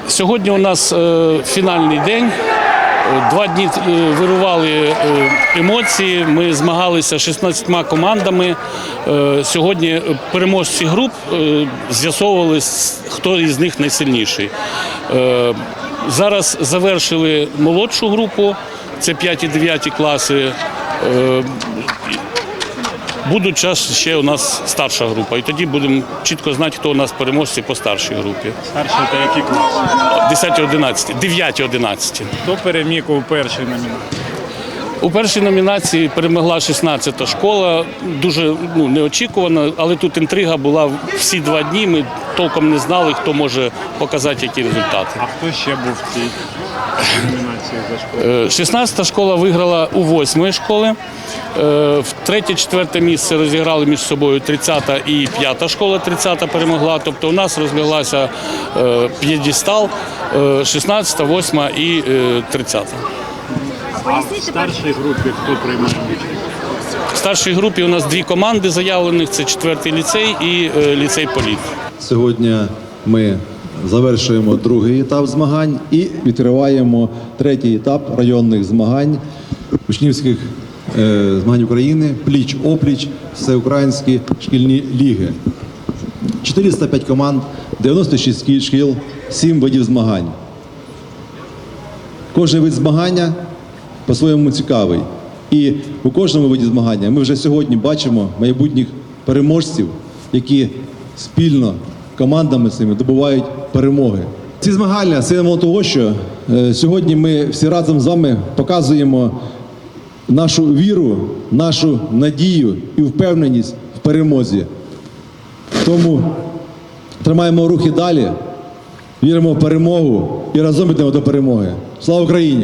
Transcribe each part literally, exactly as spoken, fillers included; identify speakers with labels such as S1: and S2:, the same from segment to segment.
S1: Сьогодні у нас фінальний день. Два дні вирували емоції, ми змагалися з шістнадцятьма командами. Сьогодні переможці груп з'ясовували, хто із них найсильніший. Зараз завершили молодшу групу, це п'яті-дев'яті класи. Буде час ще у нас старша група, і тоді будемо чітко знати, хто у нас переможці по старшій групі.
S2: Старший – це який клас?
S1: десяті-одинадцяті, дев'яті-одинадцяті.
S2: Хто переміг у першій номінації?
S1: У першій номінації перемогла шістнадцята школа, дуже ну, неочікувано, але тут інтрига була всі два дні, ми толком не знали, хто може показати які результати.
S2: А хто ще був в цій номінації за школу?
S1: шістнадцята школа виграла у восьмої школи, в третє-четверте місце розіграли між собою тридцята і п'ята школа, тридцята перемогла, тобто у нас розляглася п'єдестал шістнадцята, восьма і тридцята.
S2: А в старшій групі хто приймає участь?
S1: В старшій групі у нас дві команди заявлених, це четвертий ліцей і ліцей Політ.
S3: Сьогодні ми завершуємо другий етап змагань і відкриваємо третій етап районних змагань, учнівських е, змагань України, пліч-опліч, всеукраїнські шкільні ліги. чотириста п'ять команд, дев'яносто шість шкіл, сім видів змагань. Кожен вид змагання по-своєму цікавий. І у кожному виді змагання ми вже сьогодні бачимо майбутніх переможців, які спільно командами цими добувають перемоги. Ці змагання – символ того, що е, сьогодні ми всі разом з вами показуємо нашу віру, нашу надію і впевненість в перемозі. Тому тримаємо рухи далі, віримо в перемогу і разом йдемо до перемоги. Слава Україні!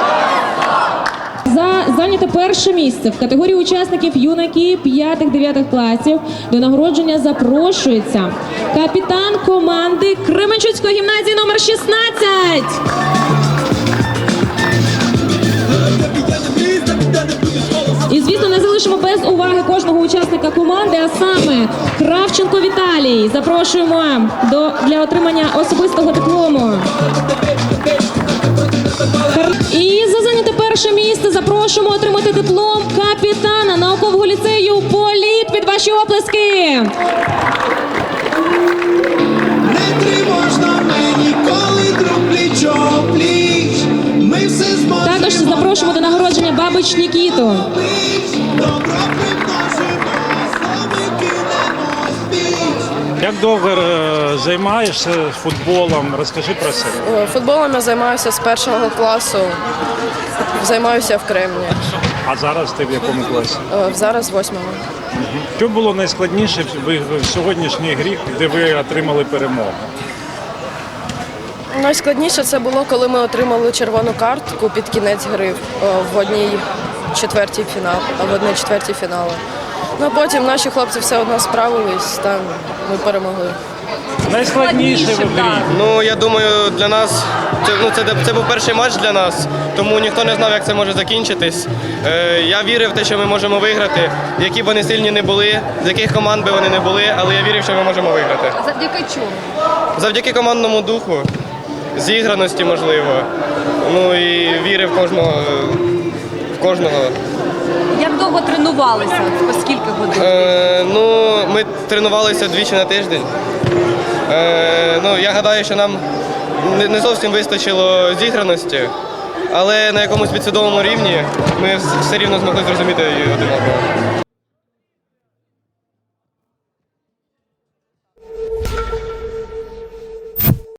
S4: За зайняте перше місце в категорії учасників юнаки п'ятих-дев'ятих класів до нагородження запрошується капітан команди Кременчуцької гімназії номер шістнадцять. І, звісно, не залишимо без уваги кожного учасника команди, а саме Кравченко Віталій. Запрошуємо до, для отримання особистого диплому. І за зайняте перше місце запрошуємо отримати диплом капітана наукового ліцею Політ. Під ваші оплески!
S5: Не тривожно мені, коли друг пліч-о-пліч. Ми все зможемо.
S4: Також запрошуємо до нагородження Бабич Нікіту.
S5: Добро примножимо, слави кинемо спіч.
S2: Як довго е, займаєшся футболом? Розкажи про себе.
S6: Футболом я займаюся з першого класу, займаюся в Кремні.
S2: А зараз ти в якому класі?
S6: Е, Зараз в восьмому.
S2: Що було найскладніше в, в сьогоднішній грі, де ви отримали перемогу?
S6: Найскладніше це було, коли ми отримали червону картку під кінець гри в одній четвертій фінал, в одній четвертій фіналу. Ну, а потім наші хлопці все одно справились, та ми перемогли.
S2: Найскладніше в грі?
S7: Ну, я думаю, для нас це, ну, це, це був перший матч для нас, тому ніхто не знав, як це може закінчитись. Е, я вірив в те, що ми можемо виграти, які б вони сильні не були, з яких команд би вони не були, але я вірив, що ми можемо виграти.
S6: Завдяки чому?
S7: Завдяки командному духу, зіграності, можливо. Ну і вірив в кожного. В кожного.
S8: Як довго тренувалися? По скільки годин?
S7: Е, ну, ми тренувалися двічі на тиждень. Е, ну, я гадаю, що нам не, не зовсім вистачило зіграності, але на якомусь підсвідомому рівні ми все рівно змогли зрозуміти один одного.